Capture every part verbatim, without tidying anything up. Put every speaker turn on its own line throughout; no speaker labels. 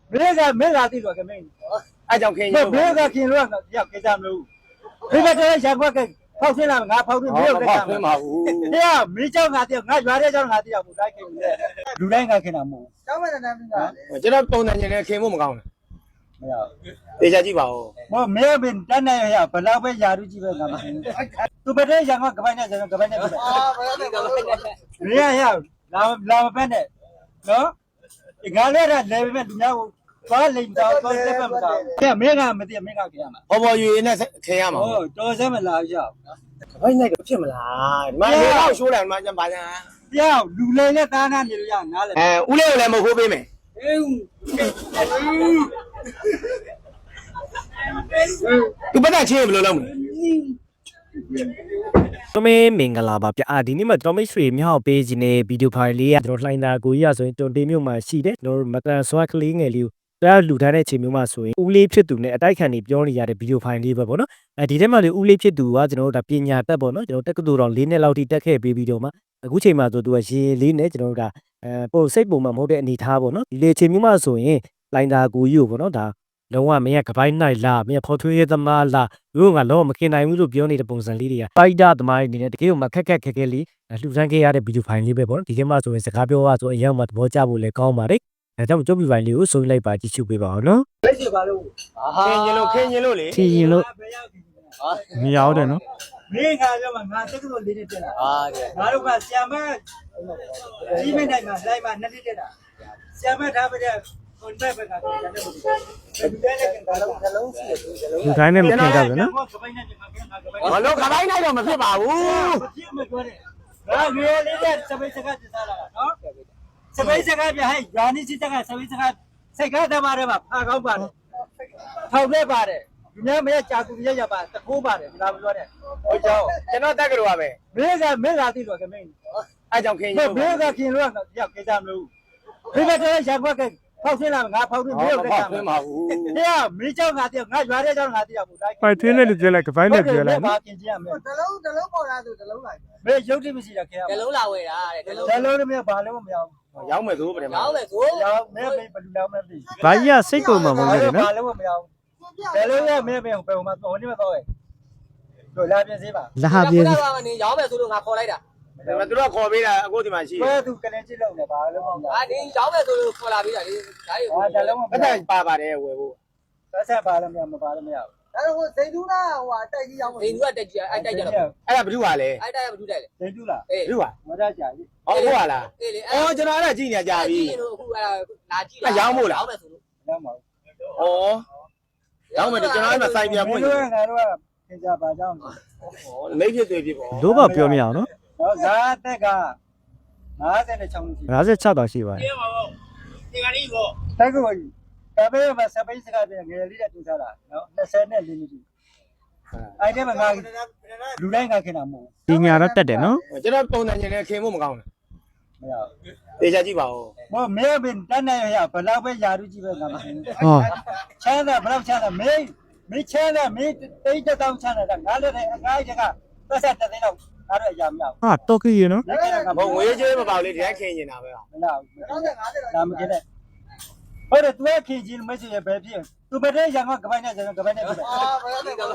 没个没个地方个没，
哎，叫看
没没个看乱个要给咱们路，没个这想法个跑出来俺跑出没有个咱们，对呀，没叫俺的，俺原来叫俺的要不来给你，路来俺看他们，
ကျောင်းမနဲ့နားမင်းကလေ
我这个东南人呢，看我们讲的，
没有，
等下几包哦。
我没有被咱那呀，本来被压住几百俺们，都不这想法个半年个半年个，
အာဘယ်နဲ့ကလဲ
没呀呀，老老半年，喏，俺来了来边人家抓领导抓这边不到，没没俺没得没俺给俺们。
我我原来是看呀嘛。
哦，多少么老小？
哎，那个骗不啦？妈，你老说了，妈讲白讲。
要路来了，当然你要拿来。
哎，屋里有来没货币没？都不带钱不了了没？
တမေမင်္ဂလာပါဗျာဒီနေ့မှာကျွန်တော်မိတ်ဆွေမြောက်ပေးခြင်းနဲ့ဗီဒီယိုဖိုင်လေးကကျွန်တော်လှိုင်းတာကိုကြီးရဆိုရင်တွန်တေးမြို့မှာရှိတယ်ကျွန်တော်မတန်ဆွာကလေးငယ်လေးကိုတရားလူထားတဲ့ချိန်မျိုးမှာဆိုရင်ဦးလေးဖြစ်သူနဲ့အတိုက်ခံနေပြောနေရတဲ့ဗီဒီယိုဖိုင်လေးပဲပေါ့နော်အဲဒီထဲမှာလေဦးလေးဖြစ်သူကကျွန်တော်တို့ဒါပညာတတ်ပေါ့နော်ကျွန်တော်တက္ကသိုလ်တော်၄နှစ်လောက်ထိတက်ခဲ့ပြီးပြီးတော့မှအခုချိန်မှာဆိုသူကရေလေးနဲ့ကျွန်တော်တို့ဒါအဲပို့စိတ်ပုံမှမဟုတ်တဲ့အနေထားပေါ့နော်ဒီလေချိန်မျိုးမှာဆိုရင်လှိုင်းတာကိုကြီးကိုပေါ့နော်ဒါလုံးဝမင်းကကပိုင်းနိုင်လားမင်းဖော်ထွေးရသမားလားတို့ကလုံးဝမခင်နိုင်ဘူးလို့ပြောနေတဲ့ပုံစံလေးတွေကပိုက်တာသမားတွေအနေနဲ့တကယ်ကိုမခက်ခက်ခက်ခဲလေးလှူဒန်းခဲ့ရတဲ့ဗီဒီယိုဖိုင်လေးပဲပေါ့နော်ဒီထဲမှာဆိုရင်စကားပြောရဆိုအရင်မှသဘောကျဖို့လည်းကောင်းပါတယ်ဒါကြောင့်ကြုံပြဖိုင်လေးကိုဆိုလိုက်ပါကြည့်ရှုပေးပါအောင်နော်
没事吧喽？
看见了，看见了嘞。
ထင်ရင်လို့မရောက်တယ်နော်
没看着嘛，俺这个都离得近了。啊，对。俺如果下面，基本上嘛，来嘛，那离得了。下面他们的，我那边看，咱这不行。原来跟俺们这龙溪，
လူတိုင်းနဲ့မခင်ကြဘူးနော်
我老看白那个没骗吧？哦。
ငါရွေလေးတဲ့စပိတ်စကားပြစားလာတာနော်စပိတ်စကားပြဟဲ့ယာနီစစ်တကစပိတ်စကားစိတ်ကားသမားတွေမှာဖာကောင်းပါတယ်ထောက်လဲပါတယ်ဒီနေ့မရကြာကူရရပါတခိုးပါတယ်ဒါမပြောနဲ့ဟိုကြောင့်
ကျွန်တော်တက်ကြလို့ပါပဲ
မင်းကမင်းလာသိတော့ကမင်း
အဲကြောင့်ခင်
မ
ရင်
င်းမင်းကခင်လို့ရောက်ကြမလို့ဒီဘက်ထဲရက်ခွက်ကဖောက်ဆင်းလာငါဖောက်ပြီးမင်းကိုတက်ကြမှာတရားမင်းเจ้าငါတယောက်ငါရွာတဲ့เจ้าငါတယောက်ကိုလိုက်
ပိုက်ထွေးနဲ့လူပြောလိုက်ကပိုင်းနဲ့ပြောလိုက်
ဘာခင်ကြရမလဲ
တလုံးတလုံးပေါ်လာသူတလုံးလိုက်
မင်းရုပ်တိမရှိတာခင်ရ
ကလုံးလာဝယ်တာတဲ့ကလုံး
ဇလုံးတွေမဘာလို့မရဘူး
ရောက်မယ်ဆိုပြန်မှာ
ရောင်းမယ်ဆို
ရောက်မင်းဘယ်ဘယ်လိုလောက်မသိ
ဘာကြီးကစိတ်ကုန်မှာမဟုတ်
ဘာ
ဘူး
လို့
နော်
ဘာလို့မရဘူးဘယ်လိုလဲမင်းဘယ်ဘယ်မှာတော်နေမတော့ရဲ့တို့လာပြင်းစေးပါ
လာဟာပြေး
ကကနေရောင်းမယ်ဆိုလို့ငါခေါ်လိုက်တာ
ဒါပေမဲ့သူတို့ခေါ်ပေးတာအခုဒီမှာရှိ
ဘယ်သူကလည်းကြည့်လို့လဲဘာလို့မရ
အာဒီရောင်းမယ်ဆိုလို့ခေါ်လာပြီးတာလေဒါရီ
ဘူးဒါလည်းမ
ဘူးပတ်သက်ပါပါတယ်ဝယ်ဖို့
ဆက်ဆက်ပါလို့မရမပါလို့မရဘူး
ဒါတော့စိတ်တူးနာဟိုအတိုက်ကြီးရောက်
ဒီလူကတက်ကြီးအဲ့တိုက်ကြတော့
အဲ့ဒါဘယ်သူပါလဲ
အဲ့တိုက်ရမထူးတိုက်လေ
ဒိတ်တူလား
အေး
ဘယ်သူပါ
မရကြကြီး
ဟောဟုတ်ပါလား
အေးလေ
အော်ကျွန်တော်အဲ့ဒါကြည့်နေကြပြီ
ကြည့်ရင်အခုအဲ့လာကြည့်ရောင်းမယ်ဆိုလို့
ရမှာ
ဩရောက်မယ်ကျွန်တော်အဲ့မှာစိုက်ပြပွင့်
ဘယ်လိုငါတို့ကသင်ကြပါကြောင်း
မိတ်ဖြစ်သွေးဖြစ်ပေါ့
လို့ပါပြောမရအောင်နော်
တော့ဇာတက်က56နှစ်ရှိ
၅၆တောင်ရှိပါတယ်
တက်ကိုတပည့်မှာစပိတ်စကားပြန်ငယ်လေးတဲ့တူစားတာနော်24နှစ်လေးနှစ်အဲ့ဒီမှာငါလူတိုင်းငါခင်တာမဟုတ်
ပညာတော့တက်တယ်နော်
ကျွန်တော်ပုံစံချင်းနဲ့ခင်ဖို့မကောင်းဘူး
မရဘူး
တေချာကြည့်ပါဦး
မမဲဘင်တန်းနေရဘလောက်ပဲယာရုကြည့်ပဲငါမသိဘူး
ဟော
ချမ်းသာဘလောက်ချမ်းသာမင်းမင်းချမ်းသာမင်းတိတ်တောင်းချမ်းသာငါလည်းအငါးချက်ကသက်ဆက်တဲ့တော့ငါတို့အရာမရဘူး
ဟာတော့ကြီးရနော်
လက်ခံက
ဘုံငွေကြေးမပေါ့လေဒီတိုင်းခင်နေတာပဲ
မလားဒါမကင်းနဲ့ဟုတ်တယ်သူကခင်ချင်းမရှိရပဲဖြစ်သူမတဲ့ရံကကပိုင်းနဲ့ရံကပိုင်းနဲ့ဖြစ်တယ်
အာဘယ်နဲ့ကလဲ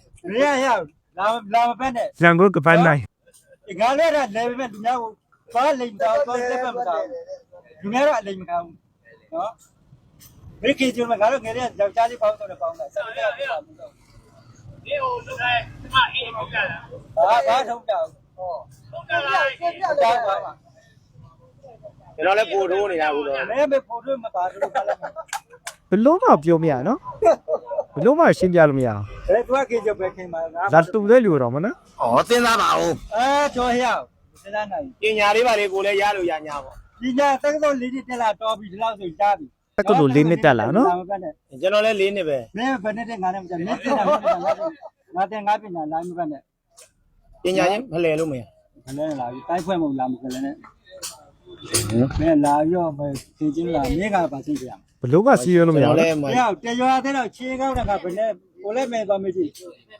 ရရရလာလာမပဲနဲ့
ဇန်ကိုကပိုင်းနိုင်
ငါလည်းလည်းပဲလူများကိုသွားလိမ့်တော့သွားတက်ပဲမကောင်းလူများတော့အလိမ့်မကောင်းနော်မိခင်ချင်းကငါတို့ငယ်တဲ့ယောက်ျားလေးပေါင်းတော့ပေါင်းတယ်ဆက်ပြီးတော့ပြောမှာ
你有这个什么一毛钱的？
ဘာဘာထုံးကြအောင်
ဟော
都这来，
ပြပြ
တော
တော့
င်းပါပါ
ကျွန်တော်လည်းပို့ထိုးနေတာဘူးတော့
မဲမဲပို့လို့မပါလို့ပါလား
ဘလို့မှပြောမရနော်ဘလို့မှရှင်းပြလို့မရအောင်
ဘယ်သူကခင်ကြပဲခင်ပါငါ
ဒါတူတဲ့လူတော့မနော်
ဩစဉ်းစားပါဦး
အဲကျော်ဟျောက်စဉ်းစားနိုင်
ပညာလေးပါလေကိုလည်းရလို့ရညာပေါ့
ဒီညာတက္ကသိုလ်လေးတက်လာတော်ပြီဒီလောက်ဆိုကြားပြီ
တက်ကလို့လေးနှစ်တက်လာနော်
ကျွန်တော်လည်းလေးနှစ်ပဲ
မင်းဘယ်နဲ့တဲ့ငါနဲ့မကြမင်းတင်တာမင်းတင်တာငါတင်ငါပြင်တာလိုင်းမပတ်နဲ့
ပညာချင်းမလဲလို့မရ
ခလဲလာပြီတိုက်ဖွဲ့မလာမခလဲနဲ့မင်းလာရောမသင်ချင်းလာမင်းကပါသိကြရ
ဘလို့မှစီးရလို့မရ
ကျွန်
ဘူး
တော်လည်း
မှာရောက်တရွာတဲ့တော့ခြေကောက်တာကဘယ်နဲ့ကိုလည်းမဲသွားမကြည့်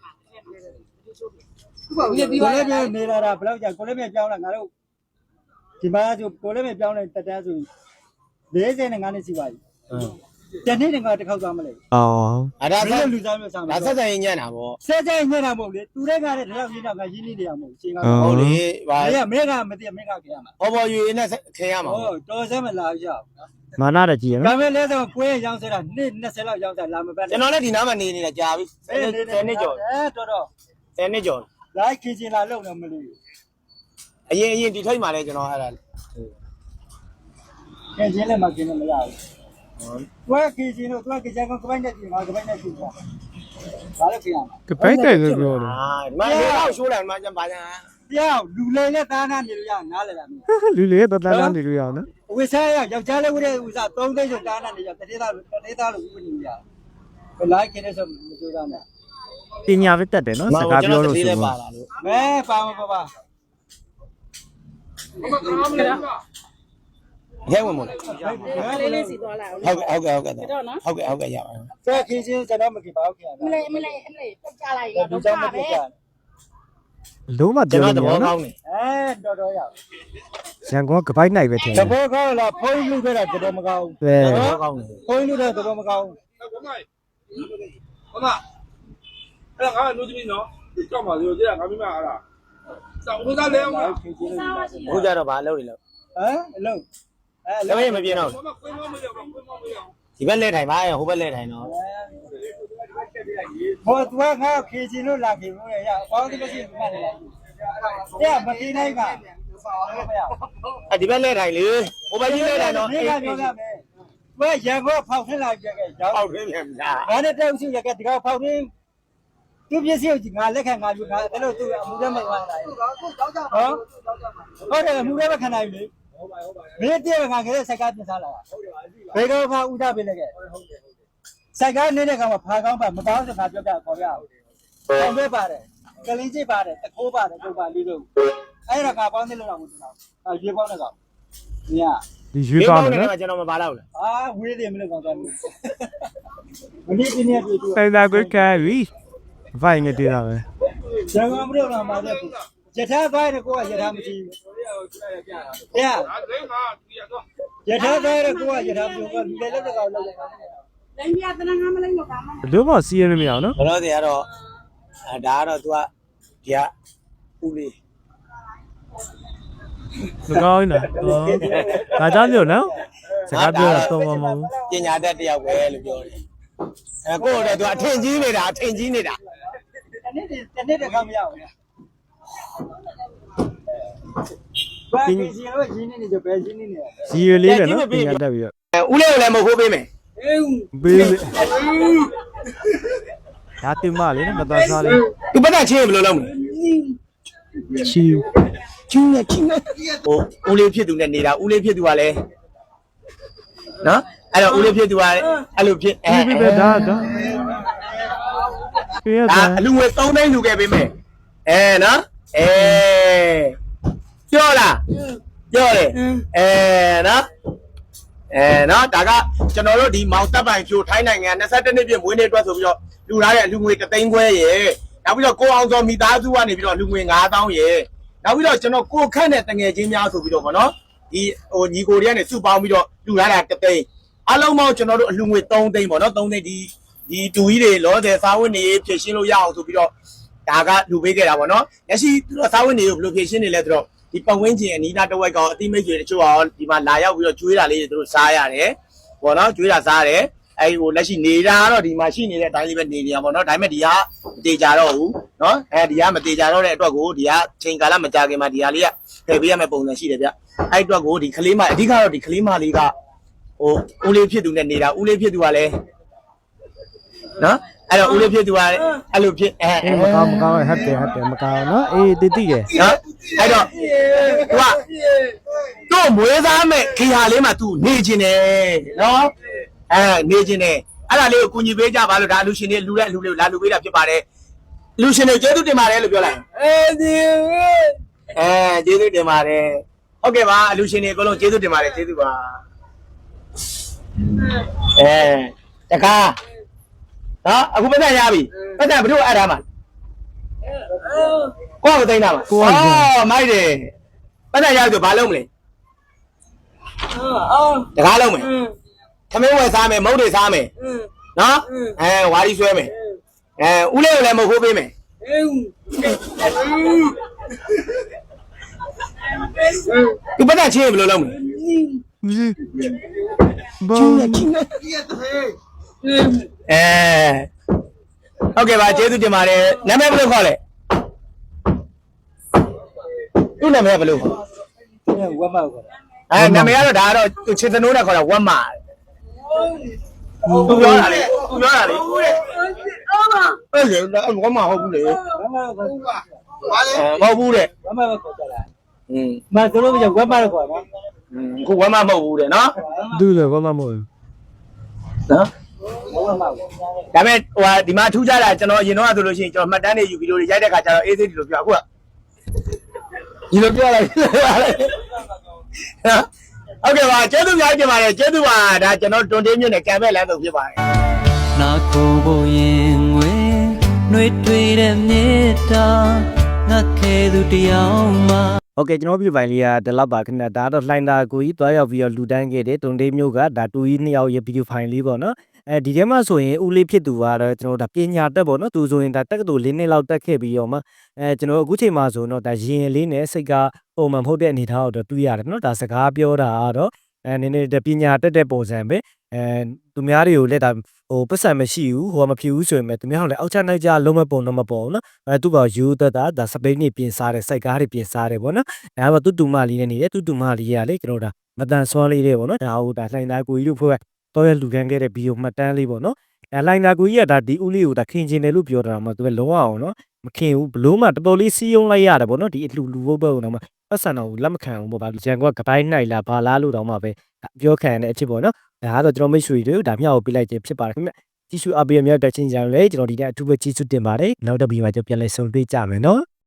ဒီပြီး
ကို
ပါ
လည်းမဲနေလာတာဘယ်လောက်ကြာကိုလည်းမဲပြောင်းလာငါတို့ဒီမှာဆိုကိုလည်းမဲပြောင်းလိုက်တက်တန်းဆို40နဲ့ငါနဲ့စီပါပြီတနေ့တခါတစ်ခေါက်သွားမလဲ
အော်
အဲ့ဒါ
မင်းလူစားမျိုးစားမ
ဒါ
ယ်
ဆက်ဆက်ရင်ညံ့တာဗော
ဆဲဆဲညံ့တာမဟုတ်လေသူတွေကလည်းဒီလောက်ကြီးတော့ငါရင်းနေနေရမဟုတ်ရှင်းကား
ဟုတ်လေဗာ
မင်းကမင်းကမသိမင်းကခင်ရမှာ
ဟောပေါ်ယူနေခင်ရမှာ
ဟောတော်စဲမလာရအောင်
မာနတကြီးရ
ဒါ
နော်
ပေမဲ့လဲဆိုပွဲရောင်းစတာနှစ်20လောက်ရောင်းတာလာမပတ်
ကျွန်တော်လည်းဒီနားမှာနေနေတာကြာပြီဆယ်နှစ်ကျော်
အဲတော်တော်
ဆယ်နှစ်ကျော်
လိုက်ခင်ချင်လာလုံတော့မလို့
အရင်အရင်ဒီထိတ်မှာလဲကျွန်တော်အဲ့ဒါ
ခင်ချင်လည်းမခင်လည်းမရဘူးတွဲခင်ချင်တော့တွဲခင်ချင်ကကပိုင်းနဲ့ပြင်ပါကပိုင်းနဲ့ပြင်ပါဘာလို့ခင်ရမှာ
ကပိုက်တယ်ဆိုပြောတယ်
အာဒီမှာလေတော့ရှိုးတယ်ဒီမှာကျန်ပါညာ
ပြောင်းလူလိန်နဲ့သားနာနေလို့ရနားလဲလားမင်း
လူလေးတတန်းတန်းနေလို့ရအောင်နော်
ဝိစားရယောက်ျားလေးဝိတဲ့ဥစားသုံးသိန်းဆိုတားနာနေရတတိသားတတိသားလို့ဥပဒေရဘယ်လိုက်ခင်လဲဆိုမကြိုးစားနဲ့
ပညာပဲတက်တယ်နော်စကားပြောလို့ဆို
ပါ
တော့
လာလို့
မဲပါမပါပါ
ရဲဝင်မလို့
လေးလေးစီသွားလိုက်အောင်
ဟုတ်ကဲ့ဟုတ်ကဲ့ဟုတ်ကဲ့ဟုတ်ကဲ့ဟုတ်ကဲ့ရပါမယ်
ဆဲခင်ချင်းကျွန်တော်မခင်ပါဘူးခင်ဗျာ
မလေးမလေးအလေးပြတ်ကြလိုက်ရ
ဒီ
တော့
ကြောင့်မ
ပါ
ပြ
ပဲ
ကြ
လုံးဝ
ကျွန်
ပြော
တော်
လို့
သ
မရ
ဘော
နော်
ကောင်းနေ
အဲတော်တော်ရ
ရန်ကုန်ကပိုက်နိုင်ပဲထင်
တ
တယ်
ဘောကောင်းလားဖုန်းလူခဲ့တာတော်တော်မကောင်း
ပဲ
သဘောကောင်းနေ
ဖုန်းလူတဲ့တော်တော်မကောင်း
ဟုတ်ကဲ့ဟုတ်ကဲ့အဲ့ငါလူကြီးနော်ကြောက်ပါလို့ကြည့်ရငါမိမအားလားစောင်းလို့သားလဲအောင်လား
ခင်ချင်းလို့
အခုကြတော့ဘာလုပ်နေလဲ
ဟမ်အလုံးအဲ
လည်းမပြင်းတော့
ဘာမှခွင့်မမရဘူးခွင့်မမရဘူး
ဒီဘက်လက်ထိုင်ပါဟိုဘက်လက်ထိုင်တော့
ဘောသူကငါခင်ချင်းလို့လာခင်လို့ရအောင်းဒီမရှိမှတ်တယ်ရမတီးနိုင်ပါ
အဲဒီဘက်လက်ထိုင်လေဟိုဘက်ကြီးလက်ထိုင်တော့
မင်းကပြောရမယ်ဘယ်ရန်ကုန်ဖောက်ထင်းလာကြခဲ့ရောင်း
ပေါက်ရင်းမြန်လား
ငါနဲ့တောက်ရှိရခဲ့ဒီကောင်ဖောက်ထင်းသူပြည့်စုံငါလက်ခံငါယူငါအဲ့လိုသူအမှုထဲမှာဝင်လာတယ်
အခုတော့ကြောက်ကြပါ
ဟောဟုတ်တယ်အမှုထဲမှာခံနိုင်ပြီမင်းတည်းငါကလေးစကားပြင်စားလာဘယ်တော့မှဥဒပေးလိုက်ခဲ့စကားနေတဲ့ကောင်ကဖာကောင်းပါမကောင်းစကားပြောပြခေါ်ရအောင်အောင်ပဲပါတယ်ကလင်းကြီးပါတယ်တခိုးပါတယ်ပုပ်ပါလေးလို့အဲ့ဒါကပေါင်းနေလို့တော့မသိတော့အာရေပေါင်းတဲ့ကောင်မြာ
ဒီရွေးကောင်းတယ်နော်
ကျွန်တော်မပါတော့ဘူး
အာဝေးတယ်မလို့ကောင်သွားလို့မနေ့ကနေ့တွေ့တွေ့
တိုင်တာကိုကဲပြီဗိုင်ငယ်တေးတာပဲ
ဇာကမလို့လာမှာတဲ့ယထာသွားတဲ့ကိုကယထာမရှိဘူး။တရား
ဒါလည်းငါဒီရတော့
ယထာသွားတဲ့ကိုကယထာမရှိဘူး။လူလည်းလက်ကောင်လောက်တယ်
လိမ်ပြတနာငါမလိမ်တော့ပါမ
ဘယ်လိုမှစီးရမရအောင်နော်
ဘလို့တွေကတော့အဲဒါကတော့ तू ကဒီကဦးလေး
မကောင်းနေတာဟောဒါကြောင့်လို့နော်စကားပြောတာတော့မမဟုတ်
ပညာတတ်တယောက်ပဲလို့ပြောတယ်အဲကိုယ့်တော့ तू အထင်ကြီးနေတာအထင်ကြီးနေတာ
။တနေ့တနေ့တခါမရဘူး။ဘာကြီးစီရောရင်းနေနေကြပဲရင်းနေနေတယ်
စီရလေးနဲ့နော်ပညာတက်ပြီးတော့
အဲဦးလေးကိုလည်းမဟုတ်ပေးမယ်
ပေးလေဒါတင်မလေးနော်မတော်စားလေး
သူပတ်သက်ချင်းဘယ်လိုလုပ်မလဲ
ချီ
ချင်းနဲ့ချင်းနဲ့ဟိုဦးလေးဖြစ်သူနဲ့နေတာဦးလေးဖြစ်သူကလည်းနော်အဲ့တော့ဦးလေးဖြစ်သူကအဲ့လိုဖြစ်အဲ
ပြပြဒါဒါပြရ
ဒါ
တာ
အလူငွေသုံးသိန်းလူခဲ့ပေးမယ်အဲနော်အဲပြောလားပြောတယ်အဲနော်အဲနော်ဒါကကျွန်တော်တို့ဒီမောင်တပ်ပိုင်ဖြိုထိုင်းနိုင်ငံ၂၁နှစ်ပြည့်မွေးနေ့အတွက်ဆိုပြီးတော့လူထားတဲ့အလူငွေတစ်သိန်းခွဲရေနောက်ပြီးတော့ကိုအောင်စောမိသားစုကနေပြီးတော့လူငွေ၅သောင်းရေနောက်ပြီးတော့ကျွန်တော်ကိုခန့်တဲ့တငယ်ချင်းများဆိုပြီးတော့ဗောနော်ဒီဟိုညီကိုတွေကနေစုပေါင်းပြီးတော့လူထားတာတစ်သိန်းအလုံးပေါင်းကျွန်တော်တို့အလူငွေ၃သိန်းဗောနော်၃သိန်းဒီဒီတူကြီးတွေလောဆယ်စားဝတ်နေဖြည့်ရှင်းလို့ရအောင်ဆိုပြီးတော့ဒါကလူပေးခဲ့တာဗောနော်လက်ရှိသူတို့စားဝတ်နေကိုဘယ်လိုဖြည့်ရှင်းနေလဲဆိုတော့ဒီပတ်ဝန်းကျင်အနီးနားတစ်ဝက်ကောင်အတိမိတ်တွေတချို့အောင်ဒီမှာလာရောက်ပြီးတော့ကျွေးတာလေးတွေသူတို့စားရတယ်ဗောနော်ကျွေးတာစားရတယ်အဲ့ဟိုလက်ရှိနေတာကတော့ဒီမှာရှိနေတဲ့အတိုင်းလေးပဲနေနေရပါတော့ဒါပေမဲ့ဒီကမတေချာတော့ဘူးเนาะအဲဒီကမတေချာတော့တဲ့အတွက်ကိုဒီကချိန်ကာလမကြာခင်မှာဒီဟာလေးကထည့်ပေးရမယ့်ပုံစံရှိတယ်ဗျအဲ့အတွက်ကိုဒီကလေးမအဓိကတော့ဒီကလေးမလေးကဟိုဦးလေးဖြစ်သူနဲ့နေတာဦးလေးဖြစ်သူကလည်းเนาะအဲ့တော့ဦးလေးဖြစ်သူကလည်းအဲ့လိုဖြစ်အဲ
အေးမကောင်းမကောင်းဟတ်တယ်ဟတ်တယ်မကောင်းနော်အေးတိတိရ
เนาะအဲ့တော့ तू ကတို့မွေးသားမဲ့ခေဟာလေးမှာ तू နေခြင်းတယ်เนาะအဲနေခြင်းတယ်အဲ့ဒါလေးကိုကူညီပေးကြပါလို့ဒါလူရှင်တွေလူတဲ့လူတွေလာလူပေးတာဖြစ်ပါတယ်လူရှင်တွေကျေးဇူးတင်ပါတယ်လို့ပြောလိုက်အဲဒီအဲကျေးဇူးတင်ပါတယ်ဟုတ်ကဲ့ပါလူရှင်တွေအကုန်လုံးကျေးဇူးတင်ပါတယ်ကျေးဇူးပါအဲတကားနော်အခုပတ်သက်ရပြီပတ်သက်ဘယ်လိုအပ်ထားမှာကိုယ့်ကိုသိမ်းတာမှာအော်မိုက်တယ်ပတ်သက်ရပြီဆိုဘာလုပ်မလဲတကားလုံးမယ်သမင်းဝယ်စားမယ်မုတ်တွေစားမယ်နော်အဲဝါရီဆွဲမယ်အဲဦးလေးကိုလည်းမဟုတ်ပေးမယ်သူပတ်သက်ချင်းဘယ်လိုလုပ်မလဲ
ဘာ
အဲဟုတ်ကဲ့ပါကျေးဇူးတင်ပါတယ်နာမည်ဘယ်လိုခေါ်လဲသူ့နာမည်ဘယ်လိုခေါ်
ဝက်မောက်ကော
အဲနာမည်ကတော့ဒါကတော့သူချစ်သနိုးနဲ့ခေါ်တာဝက်မာသူပြောတာလေသူပြောတာလေအဲ့လေဝက်မာဟုတ်ဘူးလေ
ဝက်မောက်ကော
ဘာလဲ
မဟုတ်ဘူးတဲ့
ဝက်မောက်ကောကြလား
อืม
မဆိုလို့ပြဝက်မောက်ကောနော်
ခုဝက်မာမဟုတ်ဘူးတဲ့နော်
သူ့လည်းဘာမှမဟုတ်ဘူး
နော်
ဝက်မောက်ကော
ဒါပေမဲ့ဟိုဟာဒီမှာထူးခြားတာကျွန်တော်အရင်တော့ဆိုလို့ရှိရင်ကျွန်တော်မှတ်တမ်းတွေယူဗီဒီယိုတွေရိုက်တဲ့ခါကျတော့အေးသေးဒီလိုပြောအခုကဒီလိုပြောလိုက်နော်ဟုတ်ကဲ့ပါကျေးဇူးများတင်ပါတယ်ကျေးဇူးပါဒါကျွန်တော်တွန်တေးမြို့နယ်ကံပဲလမ်းဆုံးဖြစ်ပါတယ်
နာကိုဘရင်ငွေနှွေးထွေးတဲ့မြေတာငါခဲသူတယောက်မှ
โอเคကျွန်တော်ပြပိုင်းလေးကဒီလောက်ပါခင်ဗျာဒါတော့လှိုင်းသားကိုကြီးတွားရောက်ပြီးတော့လူတန်းခဲ့တယ်တုံတေးမျိုးကဒါတူကြီးနှစ်ယောက်ရဲ့ဗီဒီယိုဖိုင်လေးပေါ့နော်အဲဒီထဲမှာဆိုရင်ဦးလေးဖြစ်သူကတော့ကျွန်တော်ဒါပညာတက်ပေါ့နော်သူဆိုရင်ဒါတက္ကသိုလ်လေးနှစ်လောက်တက်ခဲ့ပြီးတော့မှအဲကျွန်တော်အခုချိန်မှာဆိုတော့ဒါရင်လေးနဲ့စိတ်ကပုံမှန်မဟုတ်တဲ့အနေထားကိုတော့တွေ့ရတယ်နော်ဒါစကားပြောတာကတော့အဲနည်းနည်းပညာတက်တဲ့ပုံစံပဲအဲသူများတွေကိုလည်းဒါဟိုပတ်စံမရှိဘူးဟိုကမဖြစ်ဘူးဆိုရင်လည်းသူများကလည်းအောက်ချနိုင်ကြလုံးမပုံတော့မပုံနော်အဲသူ့ဘောယူသက်တာဒါစပိန်နေပြင်စားတယ်စိုက်ကားတွေပြင်စားတယ်ပေါ့နော်ဒါကတူတူမလေးနဲ့နေတယ်တူတူမလေးရလေကျွန်တော်ဒါမတန်ဆွမ်းလေးတွေပေါ့နော်ဒါဟိုဒါလှိုင်းသားကိုကြီးတို့ဖွဲ့တော့ရလူခံခဲ့တဲ့ဗီဒီယိုမှတ်တမ်းလေးပေါ့နော်အဲလှိုင်းသားကိုကြီးကဒါဒီဦးလေးကိုဒါခင်ကျင်တယ်လို့ပြောတာမှသူကလုံးဝအောင်နော်မခင်ဘူးဘလို့မှတော်တော်လေးစီးယုံလိုက်ရတယ်ပေါ့နော်ဒီအလှလူဘုတ်ဘုတ်တော့မှပတ်စံတော့လက်မခံဘူးပေါ့ဗျာဂျန်ကကပိုင်းနိုင်လားဘာလားလို့တော့မှပဲပြောခံတဲ့အဖြစ်ပေါ့နော်ဒါကတော့ကျွန်တော်မိတ်ဆွေတို့ဒါမြောက်ကိုပြလိုက်ခြင်းဖြစ်ပါတယ်ခင်ဗျကြီးစုအပေးရမြောက်တဲ့ချင်းကြံလေကျွန်တော်ဒီနေ့အထူးပဲကြီးစုတင်ပါတယ်နောက်တစ်ဗီဒီယိုမှာကျွန်တော်ပြန်လည်ဆုံတွေ့ကြမယ်နော်